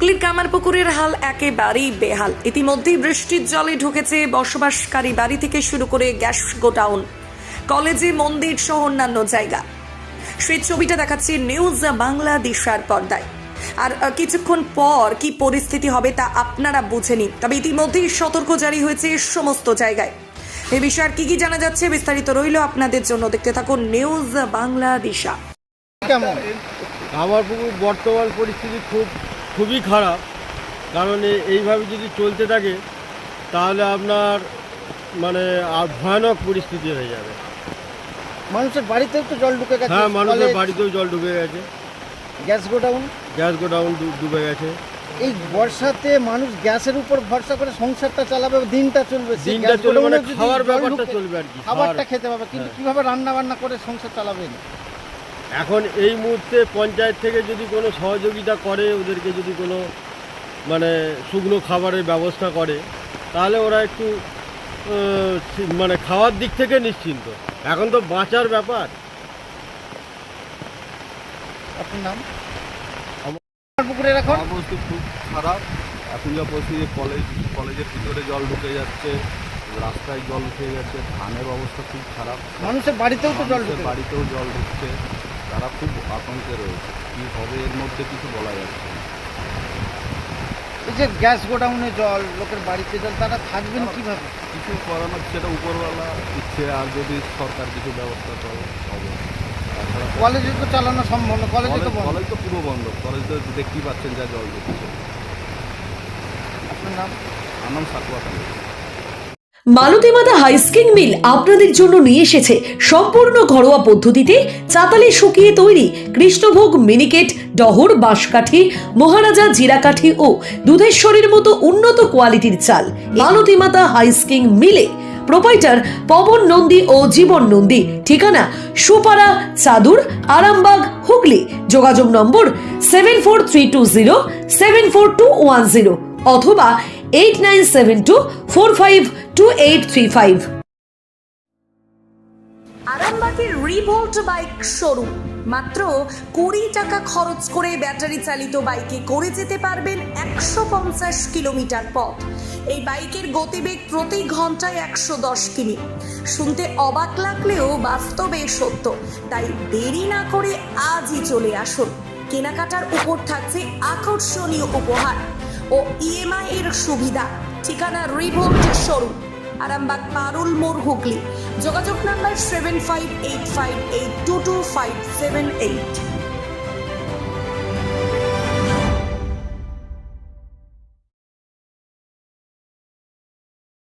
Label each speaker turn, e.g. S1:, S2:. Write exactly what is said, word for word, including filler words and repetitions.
S1: হুগলির কামারপুকুরের হাল একেবারেই বেহাল। ইতিমধ্যেই বৃষ্টির জলে ঢুকেছে বসবাসকারী বাড়ি থেকে শুরু করে গ্যাস গোডাউন, কলেজে, মন্দির সহ অন্যান্য জায়গা। সেই ছবিটা দেখাচ্ছে নিউজ বাংলাদেশের পর্দায়। আর কিছুক্ষণ পর কি পরিস্থিতি হবে তা আপনারা বুঝে নিন। তবে ইতিমধ্যেই সতর্ক জারি হয়েছে সমস্ত জায়গায়। এ বিষয়ে আর কি কি জানা যাচ্ছে বিস্তারিত রইল আপনাদের জন্য, দেখতে থাকুন নিউজ বাংলাদেশ।
S2: কেমন কামারপুকুর বর্তমান পরিস্থিতি খুব খুবই খারাপ, কারণ এইভাবে যদি চলতে থাকে তাহলে আপনার মানে আর ভয়ানক পরিস্থিতি হয়ে যাবে।
S3: মানুষের বাড়িতেও তো জল ঢুকে গেছে।
S2: হ্যাঁ, মানুষের বাড়িতেও জল ঢুকে গেছে,
S3: গ্যাস গোডাউন
S2: গ্যাস গোডাউন ডুবে গেছে।
S3: এই বর্ষাতে মানুষ গ্যাসের উপর ভরসা করে সংসারটা চালাবে, দিনটা চলবে,
S2: দিনটা চলবে মানে খাওয়ার ব্যাপারটা চলবে আর কি,
S3: খাবারটা খেতে পাবে, কিন্তু কিভাবে রান্না বান্না করে সংসার চালাবেন?
S2: এখন এই মুহূর্তে পঞ্চায়েত থেকে যদি কোনো সহযোগিতা করে, ওদেরকে যদি কোনো মানে শুকনো খাবারের ব্যবস্থা করে, তাহলে ওরা একটু মানে খাওয়ার দিক থেকে নিশ্চিন্ত। এখন তো বাঁচার ব্যাপার।
S3: আপনার নাম? পুকুরের এখন
S4: অবস্থা খুব খারাপ। এখন যা পরিস্থিতি, কলেজ কলেজের ভিতরে জল ঢুকে যাচ্ছে, রাস্তায় জল উঠে গেছে, ধানের অবস্থা খুব খারাপ।
S3: মানুষের বাড়িতেও তো জল ঢুকে,
S4: বাড়িতেও জল ঢুকছে, তারা খুব আতঙ্কে রয়েছে। কী হবে এর মধ্যে কিছু বলা যাচ্ছে না।
S3: এই যে গ্যাস গোডাউনে জল, লোকের বাড়িতে জল, তারা থাকবেন কিভাবে?
S4: কিছু করানোর সেটা উপরওয়ালা ইচ্ছে, আর যদি সরকার কিছু ব্যবস্থা করে হবে।
S3: কলেজে তো চালানো সম্ভব না, কলেজে তো বন্ধ।
S4: কলেজ তো পুরো বন্ধ, কলেজ তো দেখতেই পাচ্ছেন যা জল ঢুকছে।
S3: আপনার নাম?
S4: আমার নাম সাকুয়া খান।
S5: মালতীমাতা হাইস্কিং মিল আপনাদের জন্য নিয়ে এসেছে সম্পূর্ণ ঘরোয়া পদ্ধতিতে চাতালে শুকিয়ে তৈরি কৃষ্ণভোগ, মিনিকেট, ডহর, বাঁশকাঠি, মহারাজা, জিরাকাঠি ও দুধেশ্বরীর মতো উন্নত কোয়ালিটির চাল। মালতীমাতা হাইস্কিং মিলে প্রোপাইটার পবন নন্দী ও জীবন নন্দী। ঠিকানা সুপারা, চাদুর, আরামবাগ, হুগলি। যোগাযোগ নম্বর seven four three two zero seven four two one zero অথবা eight nine seven two four five two eight three five.
S1: আরামবাগের রিভোল্ট বাইক শোরুম। মাত্র কুড়ি টাকা খরচ করে ব্যাটারি চালিত বাইকে করে যেতে পারবেন একশো পঞ্চাশ কিলোমিটার পথ। এই বাইকের গতিবেগ প্রতি ঘন্টায় একশো দশ কিমি। শুনতে অবাক লাগলেও বাস্তবে সত্য, তাই দেরি না করে আজই চলে আসুন। কেনাকাটার উপর থাকছে আকর্ষণীয় উপহার ও ইএমআই এর সুবিধা। ঠিকানা রিভোল্ট শোরুম, আরামবাগ, পারুল মোড়, হুগলি। যোগাযোগ number seven five eight five eight two two five seven eight.